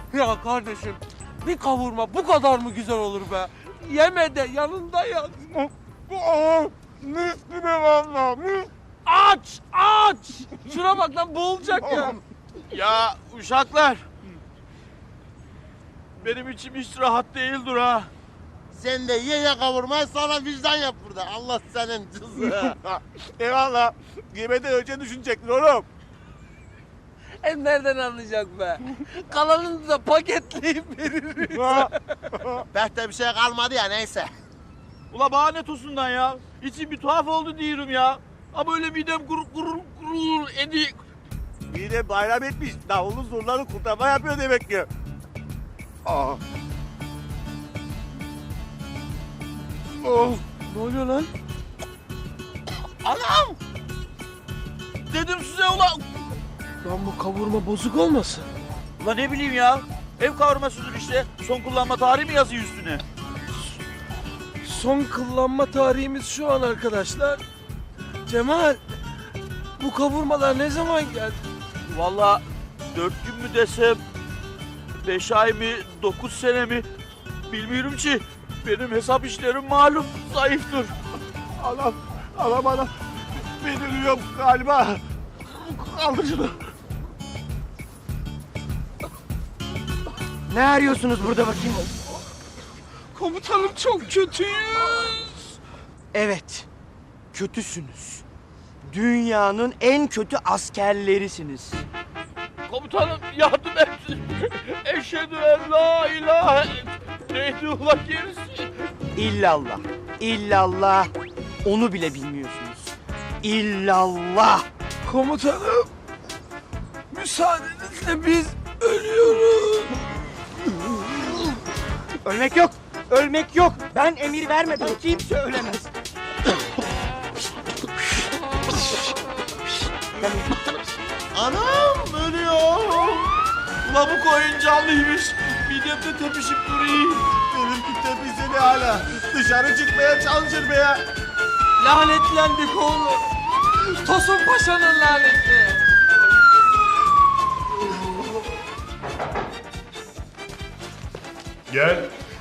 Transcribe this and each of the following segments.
Ya kardeşim, bir kavurma bu kadar mı güzel olur be? Yeme de yanında yat. Mis gibi valla. Aç, aç! Şuna bak lan, boğulacak ya. Ya uşaklar. Benim içim hiç rahat değildir ha. Sen de ye kavurmayı sonra vicdan yap burada. Allah senin cızı. Eyvallah. Yemeden önce düşünecektin oğlum. Hem nereden anlayacak be? Kalanını da paketleyip veririz. Behte bir şey kalmadı ya neyse. Ula bana ne tosundan ya? İçim bir tuhaf oldu diyorum ya. Ama öyle midem gurur gurur gurur edi. Mide bayram etmiş. Davulun zurları kurtarma yapıyor demek ki. Aa. Oh, ne oluyor lan? Anam! Dedim size ula. Lan bu kavurma bozuk olmasın? Ula ne bileyim ya. Ev kavurmasıdır işte. Son kullanma tarihi mi yazıyor üstüne? Son kullanma tarihimiz şu an arkadaşlar. Cemal, bu kavurmalar ne zaman geldi? Vallahi 4 gün mü desem, 5 ay mı, 9 sene mi bilmiyorum ki. Benim hesap işlerim malum zayıftır. Anam. Ben ölüyorum galiba. Kaldır şunu. Ne arıyorsunuz burada bakayım? Komutanım çok kötüyüz. Evet, kötüsünüz. Dünyanın en kötü askerlerisiniz. Komutanım yardım et. Eşhedü en la ilahe. Neydi ula gerisi? İllallah, illallah. Onu bile bilmiyorsunuz. İllallah. Komutanım, müsaadenizle biz ölüyoruz. Ölmek yok, ölmek yok. Ben emir vermeden kimse ölemez. Anam ölüyor. Ula bu koyun canlıymış. Midemde tepişip duruyor. Benimki tepesini hala. Dışarı çıkmaya çalışır be ya. Lanetlendik oğlum. Tosun Paşa'nın laneti. Gel.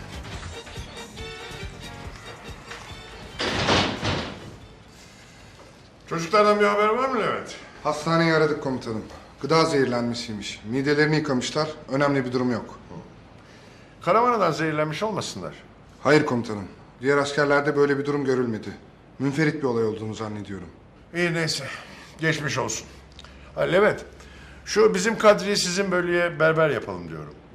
Çocuklardan bir haber var mı Levent? Hastaneyi aradık komutanım. Gıda zehirlenmesiymiş. Midelerini yıkamışlar. Önemli bir durum yok. Karavanadan zehirlenmiş olmasınlar. Hayır komutanım. Diğer askerlerde böyle bir durum görülmedi. Münferit bir olay olduğunu zannediyorum. İyi neyse. Geçmiş olsun. Ha, Levent, şu bizim Kadri'yi sizin bölüye berber yapalım diyorum.